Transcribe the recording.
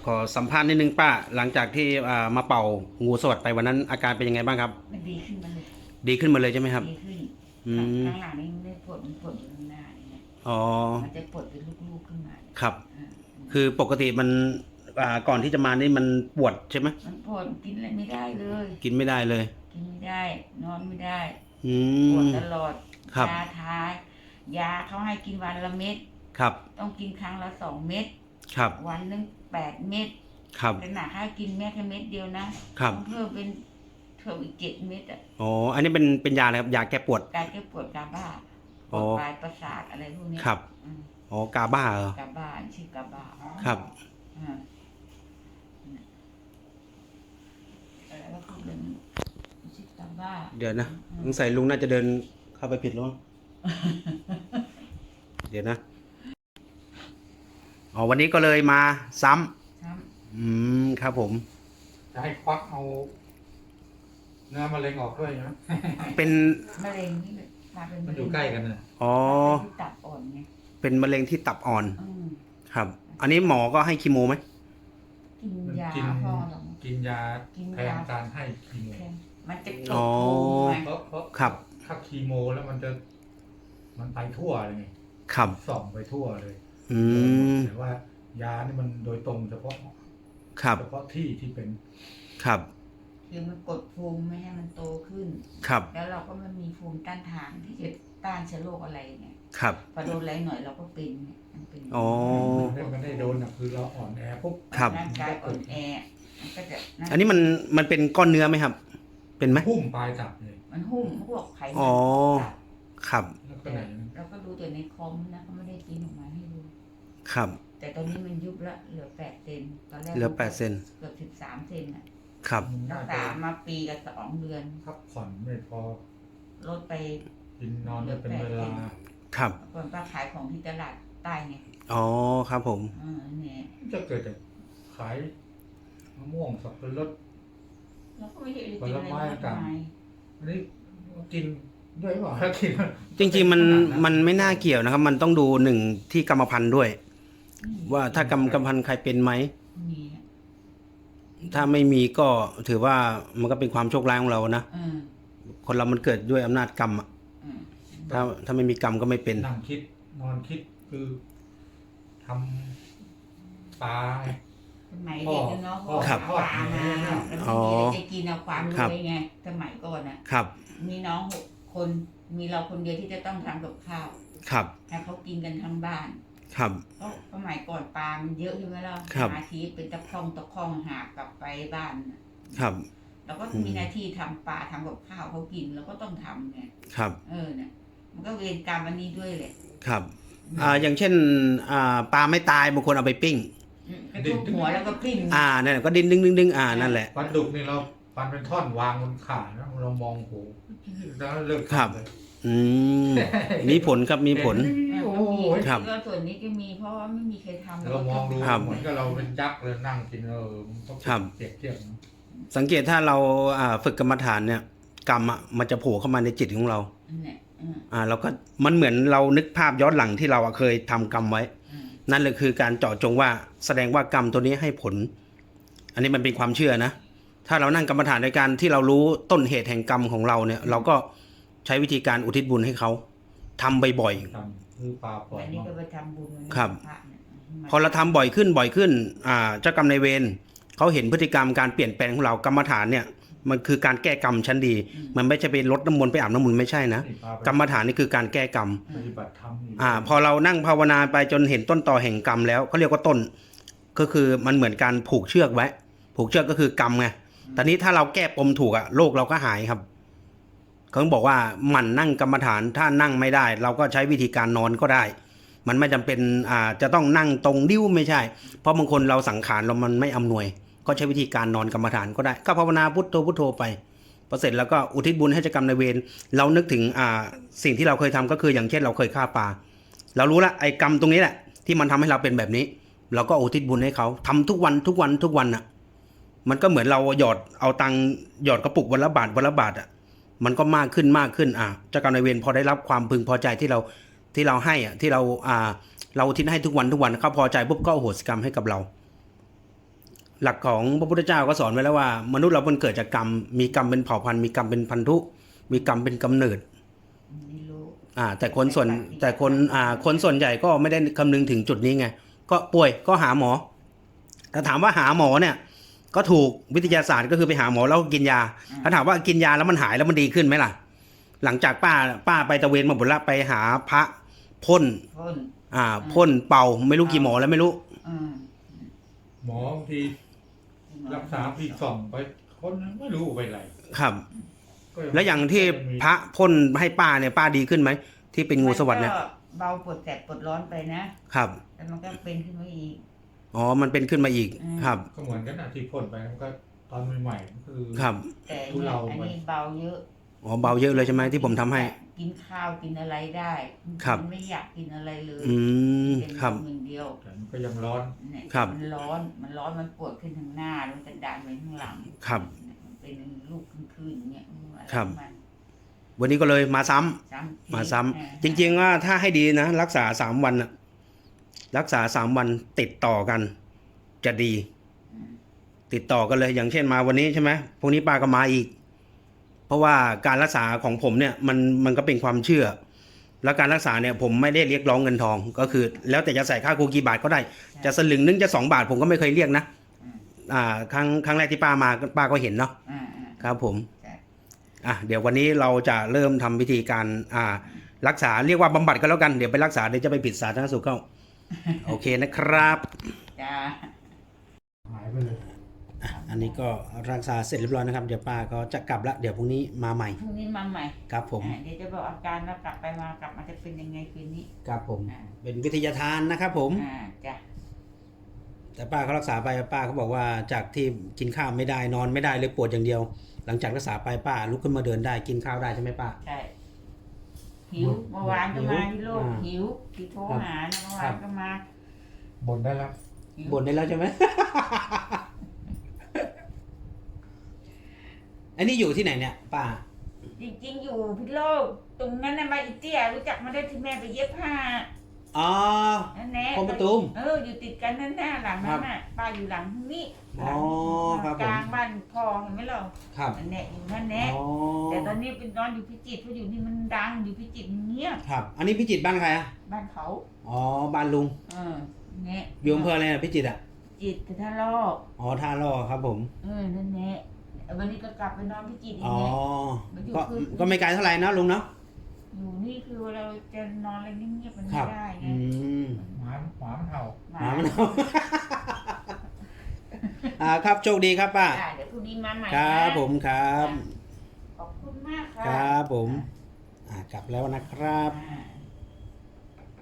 ขอสัมภาษณ์นิดนึงป้าหลังจากที่มาเป่างูสวัสดไปวันนั้นอาการเป็นยังไงบ้างครับมันดีขึ้นมาเลยดีขึ้นมาเลยใช่ไหมครับดีขึ้นอืมข้างหลังนี่ไม่ปวดมันปวดอยู่ข้างหน้าเนี่ยอ๋อมันจะปวดเป็นลูกๆขึ้นมาเนี่ยครับอ่าคือปกติมันก่อนที่จะมานี่มันปวดใช่ไหมมันปวดกินอะไรไม่ได้เลยกินไม่ได้เลยกินไม่ได้นอนไม่ได้อืปวดมตลอดครับยาทายาเขาให้กินวันละเม็ดครับต้องกินครั้งละ2 เม็ดครับวันหนึง8 เม็ดครับแต่หนักให้กินแค่เม็ดเดียวนะครับต้องเพิ่มเป็นเพิ่มอีก7 เม็ดอ่ะอ๋ออันนี้เป็นยาอะไรครับยาแก้ปวดการแก้ปวดกาบ้าปอ๋อวดปลายประสาทอะไรพวกนี้ครับอืมอ๋อกาบ้าเหรอกาบ้าชื่อกาบ้าครับอ่าอะไรก็พูดเรื่องชื่อกาบ้าเดี๋ยวนะสงสัยลุงน่าจะเดินเข้าไปผิดแล้วมั้ง เดี๋ยวนะอ๋อวันนี้ก็เลยมาซ้ำครับครับผมจะให้ควักเอาเนื้อมะเร็งออกด้วยนะเป็นมะเร็งนี่มาเป็นมันอยู่ใกล้กันนะอ๋อที่ตับอ่อนไงเป็นมะเร็งที่ตับอ่อนอืมครับ อันนี้หมอก็ให้คีโมไหมกินมันยากินพอหรอกินยาแทนการให้คีโมมันจะกดอ๋อภูมิไงเพราะครับถ้าคีโมแล้วมันไปทั่วเลยไงครับส่องไปทั่วเลยอืมแต่ว่ายานี่มันโดยตรงเฉพาะครับเฉพาะที่เป็นครับคือมันกดภูมิไม่ให้มันโตขึ้นครับแล้วเราก็ไม่มีภูมิต้านทานที่จะต้านเชื้อโรคอะไรไงครับพอโดนอะไรหน่อยเราก็เป็นเนี่ยมันเป็นอ๋อมันได้โดนนะคือเราอ่อนแอปุ๊บครับร่างกายอ่อนแอมันก็จะนั่นอันนี้มันเป็นก้อนเนื้อไหมครับ เป็นไหมพุ่มปลายตับเลยมันหุ้มพวกไขมันอ๋อตับครับแล้วก็ไหนนะเราก็ดูแต่ในคอมนะเขาไม่ได้กินออกมาให้ดูครับแต่ตอนนี้มันยุบละเหลือ8 เซนตอนแรกเหลือ8 เซนเกือบ13 เซนอ่ะครับมันรัน่าก จะษามาปีกับ2 เดือนพักผ่อนไม่พอลดไปกินนอนไม่เป็นเวลาครับก่อนป้าขายของที่ตลาดใต้ไงอ๋อ ครับผมเนี่ยจะเกิดจากขายมะม่วงสับปะรดเราก็ไม่ได้กินอะไรมากมายอันนี้กินด้วยหรือเปล่าถ้ากินจริงๆมันไม่น่าเกี่ยวนะครับ มันต้องดูหนึ่งที่กรรมพันธุ์ด้วย ว่าถ้ากรรมพันธุ์ใครเป็นไหมมีอะถ้าไม่มีก็ถือว่ามันก็เป็นความโชคร้ายของเรานะเออคนเรามันเกิดด้วยอำนาจกรรมอะเออถ้าไม่มีกรรมก็ไม่เป็นนั่งคิดนอนคิดคือทำปลาสมัยเด็กอะเนาะพอครับปลามาแล้วไม่มีอะไรจะกินเอาความรวยไงสมัยก่อนอ่ะครับมีน้อง6 คนมีเราคนเดียวที่จะต้องทำกับข้าวครับให้เขากินกันทั้งบ้านครับเพราะสมัยก่อนปลามันเยอะใช่ไหมล่ะครับหาทีเป็นตะคองหากลับไปบ้านน่ะครับเราก็มีหน้าที่ทำปลาทำกับข้าวเขากินเราก็ต้องทำไงครับเนี่ยมันก็เวรกรรมอันนี้ด้วยแหละครับอย่างเช่นปลาไม่ตายบางคนเอาไปปิ้งกระทุบหัวแล้วก็ปิ้งนั่นแหละก็ดิ้นดึงดึงดึงนั่นแหละปลาดุกนี่เราปันเป็นท่อนวางบนขานะเรามองโหแล้วเลิกครับเลยอืมมีผลครับมีผลโอ้ก็โหมีครับก็ส่วนนี้ก็มีเพราะว่าไม่มีใครทำเรามองดูครับเหมือนกับเราเป็นยักษ์เลยนั่งกินมันต้องครับเปรียบเทียบนะสังเกตถ้าเราฝึกกรรมฐานเนี่ย กรรมมันจะโผล่เข้ามาในจิตของเรานั่นแหละเราก็มันเหมือนเรานึกภาพย้อนหลังที่เราเคยทำกรรมไว้ นั่นเลยคือการเจาะจงว่าแสดงว่ากรรมตัวนี้ให้ผล อันนี้มันเป็นความเชื่อนะ ถ้าเรานั่งกรรมฐานในการที่เรารู้ต้นเหตุแห่งกรรมของเราเนี่ย เราก็ใช้วิธีการอุทิศบุญให้เขาทำบ่อยทำคือปลาปล่อยอันนี้เนาะก็ไปทำบุญครับพะเนี่ยๆ พอเราทำบ่อยขึ้นเจ้ากรรมนายเวรเขาเห็นพฤติกรรมการเปลี่ยนแปลงของเรากรรมฐานเนี่ย มันคือการแก้กรรมชั้นดี มันไม่ใช่ไปลดน้ำมนต์ไปอาบน้ำมนต์ไม่ใช่นะนี่ปลาไปกรรมฐานนี่คือการแก้กรรมปฏิบัติธรรมนี่พอเรานั่งภาวนาไปจนเห็นต้นตอแห่งกรรมแล้วเขาเรียกว่าต้น ก็คือมันเหมือนการผูกเชือกไว้ ผูกเชือกก็คือกรรมไงตอนนี้ถ้าเราแก้ปมถูกโรคเราก็หายครับเขาบอกว่าหมั่นนั่งกรรมฐานถ้านั่งไม่ได้ เราก็ใช้วิธีการนอนก็ได้ มันไม่จำเป็นจะต้องนั่งตรงดิ้วไม่ใช่ เพราะบางคนเราสังขารเรามันไม่อำนวย ก็ใช้วิธีการนอนกรรมฐานก็ได้ก็ภาวนาพุทโธพุทโธไปพอเสร็จแล้วก็อุทิศบุญให้เจ้ากรรมนายเวรเรานึกถึงสิ่งที่เราเคยทำก็คืออย่างเช่นเราเคยฆ่าปลาเรารู้ละไอ้กรรมตรงนี้แหละที่มันทำให้เราเป็นแบบนี้ เราก็อุทิศบุญให้เขาทำทุกวันมันก็เหมือนเราเอาตังหยอดกระปุกวันละบาทมันก็มากขึ้นเจ้ากรรมนายเวรพอได้รับความพึงพอใจที่เราให้ที่เราอุทิศให้ทุกวันเขาพอใจปุ๊บก็อโหสิกรรมให้กับเราหลักของพระพุทธเจ้าก็สอนไว้แล้วว่า มนุษย์เรามันเกิดจากกรรม มีกรรมเป็นเผ่าพันธุ์มีกรรมเป็นพันธุ มีกรรมเป็นกำเนิดไม่รู้แต่คนส่วนใหญ่ก็ไม่ได้คำนึงถึงจุดนี้ไง ก็ป่วยก็หาหมอแต่ถามว่าหาหมอเนี่ย ก็ถูกวิทยาศาสตร์ก็คือไปหาหมอแล้วกินยาถ้าถามว่ากินยาแล้วมันหายแล้วมันดีขึ้นไหมล่ะ หลังจากป้าไปตะเวนมาหมดละไปหาพระพ่นพ่นพ่นเป่าไม่รู้กี่หมอแล้วไม่รู้หมอบางทีรักษาปีส่องไปคนไม่รู้ไปไหนครับก็แล้วอย่างที่พระพ่นให้ป้าเนี่ยป้าดีขึ้นไหมที่เป็นงูสวัสด์เนี่ยมันก็เบาปวดแสบปวดร้อนไปนะครับ แต่มันก็เป็นขึ้นมาอีกอ๋อมันเป็นขึ้นมาอีกครับก็เหมือนกันนะที่พ่นไปมันก็ตอนใหม่ๆคือครับแต่ทุเลาอันไปนี้เบาเยอะอ๋อเบาเยอะเลยใช่ไหมที่ผมทำให้กินข้าวกินอะไรได้ครับมันไม่อยากกินอะไรเลย เป็นครับลมอย่างเดียวแต่มันก็ยังร้อนเนี่ยครับมันร้อนมันปวดขึ้นทางหน้าแล้วมันจะดันไปข้างหลังครับมันเป็นลูกขึ้นๆอย่างเงี้ยอะไรครับมันวันนี้ก็เลยมาซ้ำซ้ำทีมาซ้ำจริงๆว่าถ้าให้ดีนะรักษา3 วันน่ะรักษา3 วันติดต่อกัน จะดี ติดต่อกันเลยอย่างเช่นมาวันนี้ใช่ไหมพรุ่งนี้ป้าก็มาอีก เพราะว่าการรักษาของผมเนี่ยมันก็เป็นความเชื่อ แล้วการรักษาเนี่ยผมไม่ได้เรียกร้องเงินทองก็คือ แล้วแต่จะใส่ค่าครูกี่บาทก็ได้ จะสลึงนึงจะ2 บาทผมก็ไม่เคยเรียกนะครั้งแรกที่ป้ามาป้าก็เห็นเนาะอ่าครับผมใช่เดี๋ยววันนี้เราจะเริ่มทำวิธีการรักษาเรียกว่าบำบัดก็แล้วกันเดี๋ยวไปรักษาเดี๋ยวจะไปผิดสาธารณสุขเข้า โอเคนะครับจ้าหายไปเลยอันนี้ก็รักษาเสร็จเรียบร้อยนะครับเดี๋ยวป้าก็จะกลับละเดี๋ยวพรุ่งนี้มาใหม่พรุ่งนี้มาใหม่ครับผมเดี๋ยวจะบอกอาการแล้วกลับมาจะเป็นยังไงคืนนี้ครับผมเป็นวิทยาทานนะครับผมจ้ะแต่ป้าเขารักษาไปป้าเขาบอกว่าจากที่กินข้าวไม่ได้นอนไม่ได้เลยปวดอย่างเดียว หลังจากรักษาไปป้าลุกขึ้นมาเดินได้กินข้าวได้ใช่ไหมป้าใช่หิวเมื่อวานก็มาที่โลกอ่าหิวที่โทรหาเนี่ยเมื่อวานก็มาบ่นได้แล้วหิวบ่นได้แล้วใช่ไหม อันนี้อยู่ที่ไหนเนี่ยป้าจริงๆอยู่พิษโลกตรงนั้นน่ะมาอีเตี้ยรู้จักมาได้ที่แม่ไปเย็บผ้าอ๋อนั่นแหละคลองประตูมอยู่ติดกันนั่นหน้าหลังนั้นน่ะป้าอยู่หลังนี้อ๋อครับผมกลางบ้านพ่อเห็นไหมเราครับนั่นแหละอยู่นั่นแหละอ๋อแต่ตอนนี้เป็นนอนอยู่พิจิตรเพราะอยู่นี่มันดังอยู่พิจิตรมันเงียบครับ อันนี้พิจิตรบ้านใครอ่ะบ้านเขาอ๋อบ้านลุงเนี่ยอยู่อำเภออะไรอ่ะพิจิตรอ่ะจิตรท่าลอกอ๋อท่าล่อครับผมนั่นแหละวันนี้ก็กลับไปนอนพิจิตรอีอ๋กอเนี่ยก็ไม่ไกลเท่าไหร่นะลุงเนาะอยู่นี่คือเราจะนอนอะไรเงียบๆมันคไม่รับได้ไงหมามันเห่าหมามันเอา ครับโชคดีครับป้าเดี๋ยวพรุ่งนี้มาใหม่ครับนะผมครับขอบคุณมากค่ะครับผมกลับแล้วนะครับอ่า